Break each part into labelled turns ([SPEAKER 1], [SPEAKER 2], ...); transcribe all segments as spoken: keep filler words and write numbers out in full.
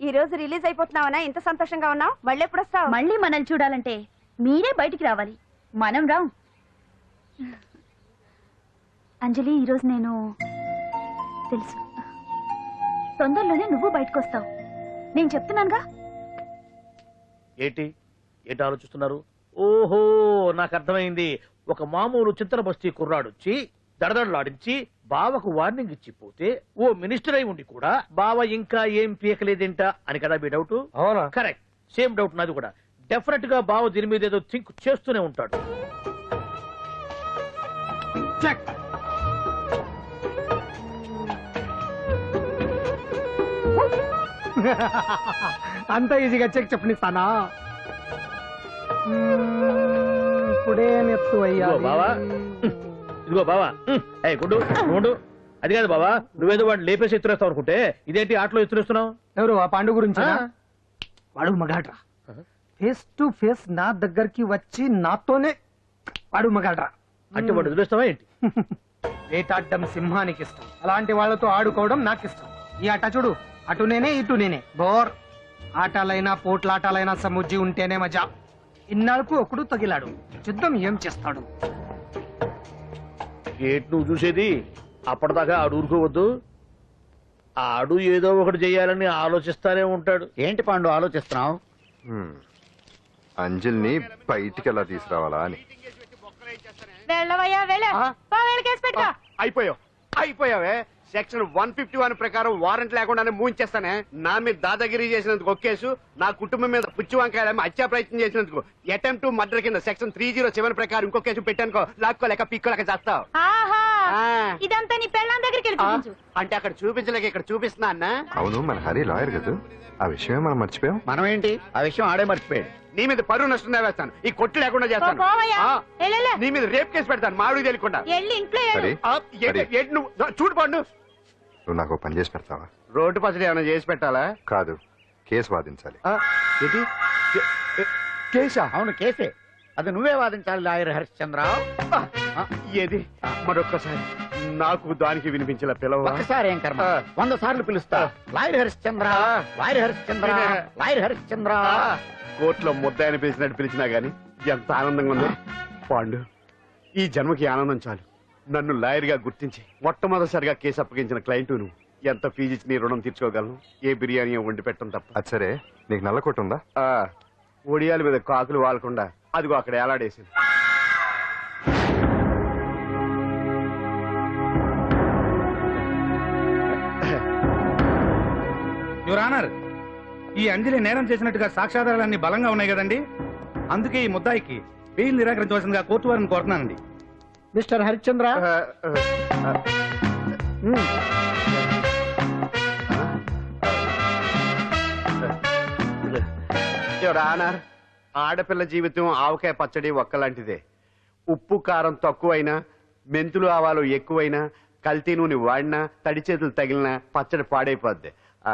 [SPEAKER 1] ఈ రోజు రిలీజ్ అయిపోతున్నావనా ఇంత సంతోషంగా ఉన్నావు? మళ్ళీ ఎప్పుడు వస్తావు?
[SPEAKER 2] మళ్ళీ మనల్ని చూడాలంటే మీరే బయటికి రావాలి, మనం రాం. అంజలి, ఈరోజు నేను తెలుసు తొందరలోనే నువ్వు బయటకు వస్తావు, నేను చెప్తున్నానుగా.
[SPEAKER 3] ఏంటి ఏంటి ఆలోచిస్తున్నారు? ఓహో, నాకు అర్థమైంది. ఒక మామూలు చింతన బస్తీ కుర్రాడొచ్చి దడదడలాడించి బావకు వార్నింగ్ ఇచ్చిపోతే ఓ మినిస్టర్ అయి ఉండి కూడా బావ ఇంకా ఏం పీకలేదేంట అని కదా మీ డౌట్?
[SPEAKER 4] అవునా?
[SPEAKER 3] కరెక్ట్, సేమ్ డౌట్ నాది కూడా. డెఫినెట్ గా బావ దీని మీద ఏదో థింక్ చేస్తూనే ఉంటాడు. చెక్.
[SPEAKER 4] అంత ఈజీగా చెక్ చెప్పనిస్తానా? ఇప్పుడే నెత్తు అయ్యా
[SPEAKER 3] బావా, ఇదిగో బావా. ఏ గుడ్డు గుండు, అది కాదు బావా, నువ్వేదో వాడిని లేపేసి ఎత్తురేస్తావు అనుకుంటే ఇదేంటి ఆటలో ఎత్తురేస్తున్నావు?
[SPEAKER 4] ఎవరు ఆ పాండు గురించి? వాడు మగాడ్రా, ఫేస్ టు ఫేస్ నా దగ్గరికి వచ్చి నాతోనే వాడు మగాడ్రా.
[SPEAKER 3] అంటే వాడు ఎదురేస్తావా ఏంటి?
[SPEAKER 4] వేటాడ్డం సింహానికి ఇష్టం, అలాంటి వాళ్ళతో ఆడుకోవడం నాకు ఇష్టం. ఈ ఆట చూడు, అటు నేనే ఇటు నేనే, బోర్. ఆటలైనా పోట్లాటాలైనా సముజ్జి ఉంటేనే మజా. ఇన్నాళ్ళకు ఒకడు తగిలాడు, యుద్ధం ఏం చేస్తాడు?
[SPEAKER 3] ఏంటి నువ్వు చూసేది? అప్పటిదాకా ఆడు ఊరుకోవద్దు. ఆడు ఏదో ఒకటి చెయ్యాలని ఆలోచిస్తానే ఉంటాడు.
[SPEAKER 5] ఏంటి పాండు ఆలోచిస్తున్నావు?
[SPEAKER 6] అంజలిని బయటికి ఎలా తీసుకురావాలా అని.
[SPEAKER 7] అయిపోయావు అయిపోయావే. సెక్షన్ వన్ ఫిఫ్టీ వన్ ప్రకారం వారెంట్ లేకుండానే మూయించేస్తానే. నా మీద దాదాగిరి చేసినందుకు ఒక కేసు, నా కుటుంబం మీద పుచ్చి వంకాయ హత్యా ప్రయత్నం చేసినందుకు అటెంప్ట్ టు మర్డర్ కింద సెక్షన్ త్రీ జీరో సెవెన్ ప్రకారం ఇంకో కేసు పెట్టానుకో, లాక్కోలేక పిక్కోలేక చేస్తావు.
[SPEAKER 2] ఇదంతా నీ పెళ్ళాం దగ్గరికి
[SPEAKER 7] అంటే అక్కడ చూపించలేక ఇక్కడ చూపిస్తున్నా అన్న.
[SPEAKER 6] అవును, మన హరి లాయర్ కదా, ఆ విషయమే మనం మర్చిపోయాం.
[SPEAKER 5] మనం ఏంటి ఆ విషయం ఆడే మర్చిపోయాడు.
[SPEAKER 7] నీ మీద పరువు నష్టం వేస్తాను, ఈ కొట్టు లేకుండా చేస్తాను. నీ మీద రేప్ కేసు పెడతాను మామిడి తెలియకుండా. చూడు పండు,
[SPEAKER 6] నువ్వు నాకు పని చేసి పెడతావా?
[SPEAKER 7] రోడ్డు పచ్చడి ఏమైనా చేసి పెట్టాలా?
[SPEAKER 6] కాదు, కేసు వాదించాలి.
[SPEAKER 7] కేసా?
[SPEAKER 5] అవును కేసే, అది నువ్వే వాదించాలి లాయర్ హరిశ్చంద్ర.
[SPEAKER 7] ఏది మరొక్కసారి నాకు దానికి వినిపించిన పిలవ.
[SPEAKER 5] ఒక్కసారి ఏం కర్మ, వంద సార్లు పిలుస్తా. Lawyer Harishchandra, lawyer Harishchandra, lawyer Harishchandra.
[SPEAKER 7] కోర్టులో ముద్దాయని పిలిచినట్టు పిలిచినా గాని ఎంత ఆనందంగా ఉంది పాండు. ఈ జన్మకి ఆనందం చాలు. నన్ను లాయర్ గా గుర్తించి మొట్టమొదటిసారిగా కేసు అప్పగించిన క్లయింట్ నువ్వు. ఎంత ఫీజు ఇచ్చి నీ రుణం తీర్చుకోగలను? ఏ బిర్యానీ వండి పెట్టడం తప్ప.
[SPEAKER 6] అది సరే, నీకు నల్ల కొట్టు ఉందా?
[SPEAKER 7] ఒడియాల మీద కాకులు వాలకుండా అదిగో అక్కడ ఏలాడేసింది.
[SPEAKER 8] యువర్ ఆనర్, ఈ అంజలి నేరం చేసినట్టుగా సాక్ష్యాధారాలన్నీ బలంగా ఉన్నాయి కదండి, అందుకే ఈ ముద్దాయికి బెయిల్ నిరాకరించవలసిందిగా కోర్టు వారిని కోరుతున్నానండి.
[SPEAKER 4] మిస్టర్ హరిశ్చంద్ర,
[SPEAKER 7] యువర్ ఆనర్, ఆడపిల్ల జీవితం ఆవకాయ పచ్చడి ఒక్కలాంటిదే. ఉప్పు కారం తక్కువైనా, మెంతులు ఆవాలు ఎక్కువైనా, కల్తీ నూనె వాడినా, తడి చేతులు తగిలినా పచ్చడి పాడైపోద్ది.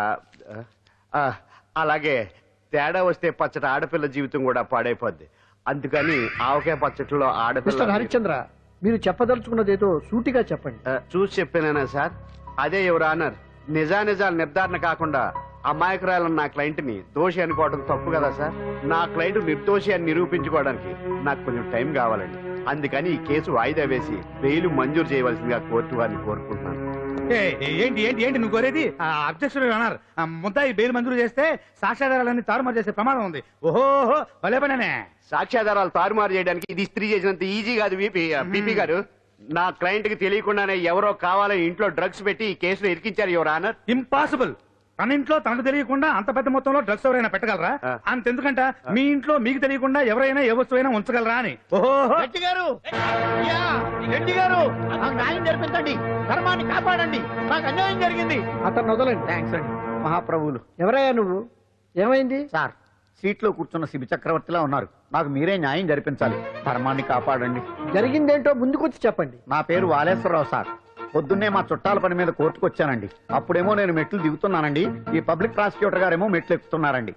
[SPEAKER 7] అలాగే తేడా వస్తే పచ్చడి ఆడపిల్ల జీవితం కూడా పాడైపోద్ది. అందుకని ఆవకాయ పచ్చడిలో ఆడపిల్ల.
[SPEAKER 4] హరిశ్చంద్ర, మీరు చెప్పదలుచుకున్నది ఏదో సూటిగా చెప్పండి.
[SPEAKER 7] చూసి చెప్పానా సార్? అదే యువర్ ఆనర్, నిజానిజాలు నిర్ధారణ కాకుండా అమాయకురాలను నా క్లయింట్ ని దోషి అనుకోవడం తప్పు కదా సార్? నా క్లయింట్ నిర్దోషి అని నిరూపించుకోవడానికి నాకు కొంచెం టైం కావాలండి. అందుకని ఈ కేసు వాయిదా వేసి బెయిల్ మంజూరు చేయవలసిందిగా కోర్టు వారిని కోరుకుంటున్నాను.
[SPEAKER 8] ఏంటి ఏంటి ఏంటి నువ్వు కోరేది? అబ్జెక్షన్ యువర్ ఆనర్, ముద్దాయి బెయిల్ మంజూరు చేస్తే సాక్ష్యాధారాలన్నీ తారుమారు చేసే ప్రమాదం ఉంది. ఓహో భలే పనే.
[SPEAKER 7] సాక్ష్యాధారాలు తారుమారు చేయడానికి ఇది స్త్రీ చేసినంత ఈజీ కాదు బీపీ గారు. నా క్లయింట్ కి తెలియకుండానే ఎవరో కావాలని ఇంట్లో డ్రగ్స్ పెట్టి ఈ కేసులో ఇరికించారు యువర్ ఆనర్.
[SPEAKER 8] ఇంపాసిబుల్. తన ఇంట్లో తనకు తెలియకుండా అంత పెద్ద మొత్తంలో డ్రగ్స్ ఎవరైనా పెట్టగలరా? అంతెందుకంట మీ ఇంట్లో మీకు తెలియకుండా ఎవరైనా ఏ వస్తువైనా ఉంచగలరా అని. ఓహో
[SPEAKER 5] గారు, గారు నాకు న్యాయం జరిపించండి, ధర్మాన్ని కాపాడండి, నాకు అన్యాయం జరిగింది.
[SPEAKER 4] అతను వదలండి.
[SPEAKER 5] థ్యాంక్స్ అండి మహాప్రభువులు.
[SPEAKER 4] ఎవరయ్యా నువ్వు? ఏమైంది
[SPEAKER 5] సార్? సీట్లో కూర్చున్న శిబి చక్రవర్తిలా ఉన్నారు, నాకు మీరే న్యాయం జరిపించాలి, ధర్మాన్ని కాపాడండి.
[SPEAKER 4] జరిగిందేంటో ముందుకొచ్చి చెప్పండి.
[SPEAKER 5] నా పేరు వాలేశ్వరరావు సార్. పొద్దున్నే మా చుట్టాల పని మీద కోర్టుకు వచ్చానండి. అప్పుడేమో నేను మెట్లు దిగుతున్నానండి, ఈ పబ్లిక్ ప్రాసిక్యూటర్ గారేమో మెట్లు ఎక్కుతున్నారండి.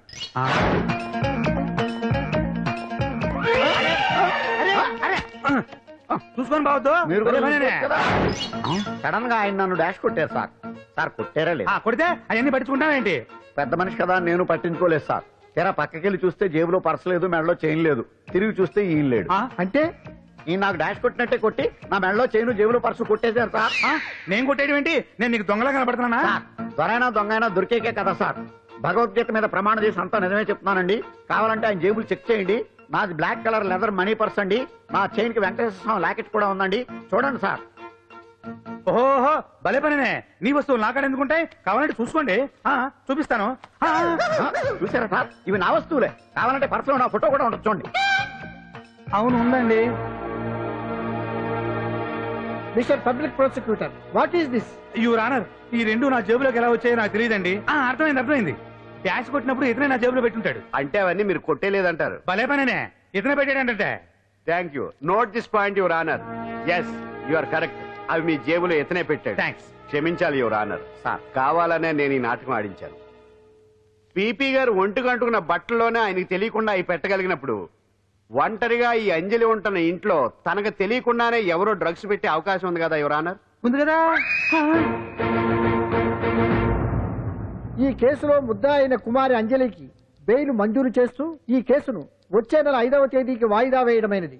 [SPEAKER 8] చూసుకొని బావద్దు,
[SPEAKER 5] మీరు సడన్ గా ఆయన నన్ను డాష్ కొట్టారు సార్. సార్ కొట్టారా లేదు?
[SPEAKER 8] కొడితే అవన్నీ పట్టించుకుంటావేంటి?
[SPEAKER 5] పెద్ద మనిషి కదా అని నేను పట్టించుకోలేదు సార్. తెర పక్కకెళ్ళి చూస్తే జేబులో పర్స్ లేదు, మెడలో చైన్ లేదు. తిరిగి చూస్తే ఈయన లేడు.
[SPEAKER 8] ఆ?
[SPEAKER 4] అంటే
[SPEAKER 5] ఈ నాకు డాష్ కొట్టినట్టే కొట్టి నా మెడలో చైన్ జేబులో పర్సు కొట్టేశారు సార్.
[SPEAKER 8] ఆ? నేను కొట్టేయడం ఏంటి? నేను నీకు దొంగలా కనబడుతున్నానా?
[SPEAKER 5] సార్, దొరైనా దొంగైనా దొరికేకే కదా సార్. భగవద్గీత మీద ప్రమాణం చేసి అంతా నిజమే చెప్తున్నానండి. కావాలంటే ఆయన జేబులు చెక్ చేయండి. నాది black colour leather money purse అండి. నా చైన్ కి వెంకటేశ్వర స్వామి లాకెట్ కూడా ఉందండి. చూడండి సార్.
[SPEAKER 8] ఓహో భలే పనినే. నీ వస్తువులు నాకాడ ఎందుకుంటాయి? కావాలంటే చూసుకోండి. ఆ, చూపిస్తాను. ఆ,
[SPEAKER 5] ఆ, చూసారా సార్, ఇవి నా వస్తువులే. కావాలంటే పర్సులో నా ఫోటో కూడా ఉండొచ్చు చూడండి.
[SPEAKER 8] అవును ఉందండి.
[SPEAKER 4] Mister public prosecutor, what is this?
[SPEAKER 8] Your honour, ఈ రెండు నా జేబులోకి ఎలా వచ్చాయో నాకు తెలియదండి. అర్థమైంది అర్థమైంది. డాష్ కొట్టినప్పుడు ఇతనే నా జేబులో పెట్టుంటాడు.
[SPEAKER 7] అంటే అవన్నీ మీరు కొట్టేలేదంటారు.
[SPEAKER 8] భలే పనినే, ఇతనే పెట్టాడంటే.
[SPEAKER 7] Thank you. Note this point your honour. Yes, you are correct. అవి మీ జేబులో ఎత్తనే పెట్టాడు.
[SPEAKER 8] థ్యాంక్స్.
[SPEAKER 7] క్షమించాలి యువర్ ఆనర్.
[SPEAKER 5] సార్,
[SPEAKER 7] కావాలనే నేను ఈ నాటకం ఆడించాను. పీపీ గారు ఒంటికి అంటుకున్న బట్టల్లోనే ఆయనకి తెలియకుండా అవి పెట్టగలిగినప్పుడు ఒంటరిగా ఈ అంజలి ఉంటున్న ఇంట్లో తనకు తెలియకుండానే ఎవరో డ్రగ్స్ పెట్టే అవకాశం ఉంది కదా యువర్ ఆనర్.
[SPEAKER 4] ఉంది కదా. ఈ కేసులో ముద్దా అయిన కుమారి అంజలికి బెయిల్ మంజూరు చేస్తూ ఈ కేసును వచ్చే నెల ఐదవ తేదీకి వాయిదా వేయడమైనది.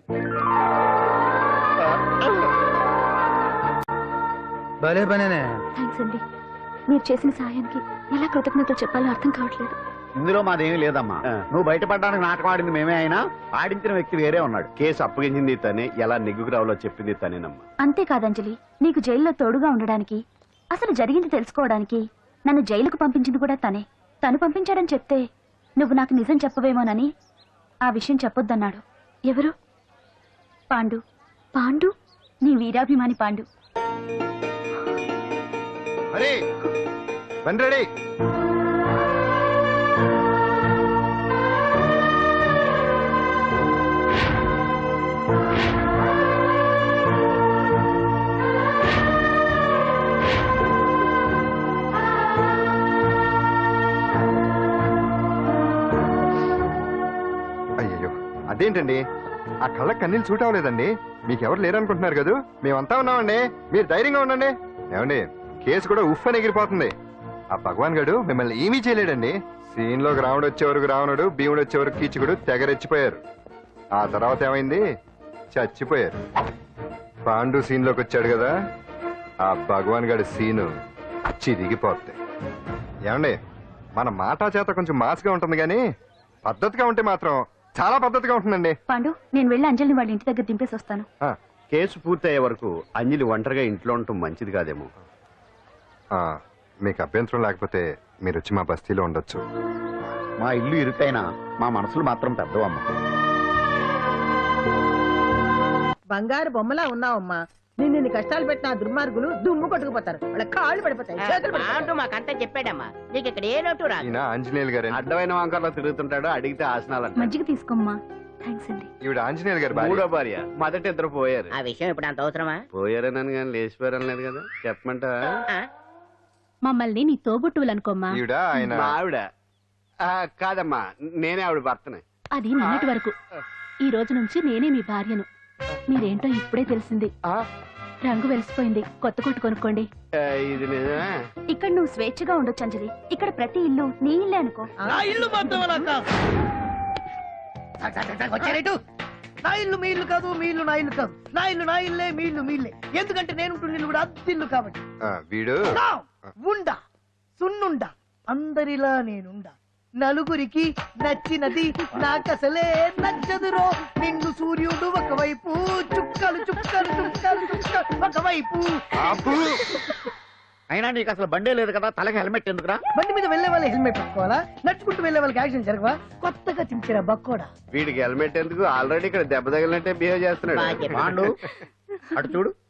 [SPEAKER 8] భలే పనినే.
[SPEAKER 2] థ్యాంక్స్ అండి. మీరు చేసిన సహాయానికి ఎలా కృతజ్ఞతలు చెప్పాలో అర్థం కావట్లేదు.
[SPEAKER 5] ఇందులో మాదేమీ లేదమ్మా.
[SPEAKER 7] ఆ.
[SPEAKER 5] నువ్వు బయటపడడానికి నాటకం ఆడింది మేమే అయినా ఆడించిన వ్యక్తి వేరే ఉన్నాడు.
[SPEAKER 7] కేసు అప్పగించింది తనే, ఎలా నెగ్గుకు రావాలో చెప్పింది తనేనమ్మా.
[SPEAKER 2] అంతేకాదు అంజలి, నీకు జైల్లో తోడుగా ఉండడానికి, అసలు జరిగింది తెలుసుకోవడానికి నన్ను జైలుకు పంపించింది కూడా తనే. తను పంపించాడని చెప్తే నువ్వు నాకు నిజం చెప్పవేమోనని ఆ విషయం చెప్పొద్దన్నాడు. ఎవరు? పాండు. పాండు, నీ వీరాభిమాని పాండు.
[SPEAKER 6] అరే బండి రెడీ. అయ్యయ్యో, అదేంటండి ఆ కళ్ళకి కన్నీళ్ళు సూట్ అవ్వలేదండి. మీకెవరు లేరనుకుంటున్నారు కదా, మేమంతా ఉన్నామండి. మీరు ధైర్యంగా ఉండండి. ఏమండి, కేసు కూడా ఉఫ్ అని ఎగిరిపోతుంది. ఆ భగవాన్ గడు మిమ్మల్ని ఏమీ చేయలేడండి. సీన్ లోకి రావణుడు వచ్చే వరకు రావణుడు, భీముడు వచ్చే వరకు కీచుకుడు తెగరెచ్చిపోయారు. ఆ తర్వాత ఏమైంది? చచ్చిపోయారు. పాండు సీన్ లోకి వచ్చాడు కదా, ఆ భగవాన్ గడి సీను చిరిగిపోద్ది. ఏమండి, మన మాటా చేత కొంచెం మాస్గా ఉంటుంది కానీ పద్ధతిగా ఉంటే మాత్రం చాలా పద్ధతిగా ఉంటుందండి.
[SPEAKER 2] పాండు, నేను వెళ్ళి అంజలిని వాళ్ళ ఇంటి దగ్గర దింపేసి వస్తాను.
[SPEAKER 6] ఆ,
[SPEAKER 7] కేసు పూర్తయ్యే వరకు అంజలి ఒంటరిగా ఇంట్లో ఉండటం మంచిది కాదేమో.
[SPEAKER 6] ఆ, మీకు అభ్యంతరం లేకపోతే మీరు వచ్చి మా బస్తీలో ఉండొచ్చు.
[SPEAKER 5] మా ఇల్లు ఇరుకైనా మా మనసులు మాత్రం పెద్దవమ్మ.
[SPEAKER 9] బంగారు బొమ్మలా ఉన్నావమ్మా. నిన్ను ఇన్ని కష్టాలు పెట్టిన ఆ దుర్మార్గులు దుమ్ము కొట్టుకుపోతారు. వాళ్ళ కాళ్ళు పడిపోతాయి, చేతులు పడిపోతాయి.
[SPEAKER 1] మాకంతా చెప్పాడమ్మా, నీకు ఇక్కడ ఏ లోటు రాదు.
[SPEAKER 6] ఈయన ఆంజనేయులు గారు.
[SPEAKER 7] అడ్డమైన వంకర్లో తిరుగుతుంటాడు, అడిగితే ఆసనాలంట.
[SPEAKER 2] మజ్జిగ తీసుకోమ్మా. థ్యాంక్స్ అండి.
[SPEAKER 6] ఈవిడ ఆంజనేయులు గారు భార్య.
[SPEAKER 7] మూడో భార్య. మొదట ఇద్దరు పోయారు.
[SPEAKER 1] ఆ విషయం ఇప్పుడు అంత అవసరమా?
[SPEAKER 7] పోయారనని కానీ లేచిపోయారని లేదు కదా. చెప్పమంటా?
[SPEAKER 2] మమ్మల్ని నీ తోబుట్టువులనుకోమ్మా.
[SPEAKER 6] ఈవిడ ఆయన
[SPEAKER 7] మా ఆవిడ. ఆ, కాదమ్మా, నేనే ఆవిడ భర్తనే.
[SPEAKER 2] అది నిన్నటి వరకు. ఈ రోజు నుంచి నేనే మీ భార్యను. మీరేంటో ఇప్పుడే తెలిసింది.
[SPEAKER 7] ఆ,
[SPEAKER 2] రంగు వెలిసిపోయింది, కొత్త కొట్టు కొనుక్కోండి.
[SPEAKER 7] ఆ, ఇది నిజమే.
[SPEAKER 2] ఇక్కడ నువ్వు స్వేచ్ఛగా ఉండొచ్చు అంజలి. ఇక్కడ ప్రతి ఇల్లు నీ ఇల్లే అనుకో.
[SPEAKER 3] నా ఇల్లు మాత్రం అలా కాదు.
[SPEAKER 4] వచ్చారేటు నా ఇల్లు మీ ఇల్లు కాదు, మీ ఇల్లు నా ఇల్లు కాదు. నా ఇల్లు నా ఇల్లే, మీ ఇల్లు మీ ఇల్లే. ఎందుకంటే నేను ఉంటున్న ఇల్లు కూడా అద్దిల్లు కాబట్టి.
[SPEAKER 6] ఆ, వీడు
[SPEAKER 4] నా ఉండా సున్నుండా అందరిలా నేనుండా. నలుగురికి నచ్చినది నాకసలే నచ్చదురో. నిన్ను సూర్యుడు ఒకవైపు, చుక్కలు చుక్కలు చుక్కలు చుక్కలు ఒకవైపు.
[SPEAKER 6] ఆపు.
[SPEAKER 5] అయినా నీకు అసలు బండే లేదు కదా, తలకి హెల్మెట్ ఎందుకురా?
[SPEAKER 4] బండి మీద వెళ్లే వాళ్ళు హెల్మెట్ పెట్టుకోవాలా? నడుచుకుంటూ వెళ్లే వాళ్ళకి యాక్సిడెంట్ జరగవా? కొత్తగా తింటారా బక్కోడా?
[SPEAKER 7] వీడికి హెల్మెట్ ఎందుకు? ఆల్రెడీ ఇక్కడ దెబ్బ తగిలినట్టే బిహేవ్ చేస్తున్నాడు.
[SPEAKER 5] పాండు, అటు చూడు.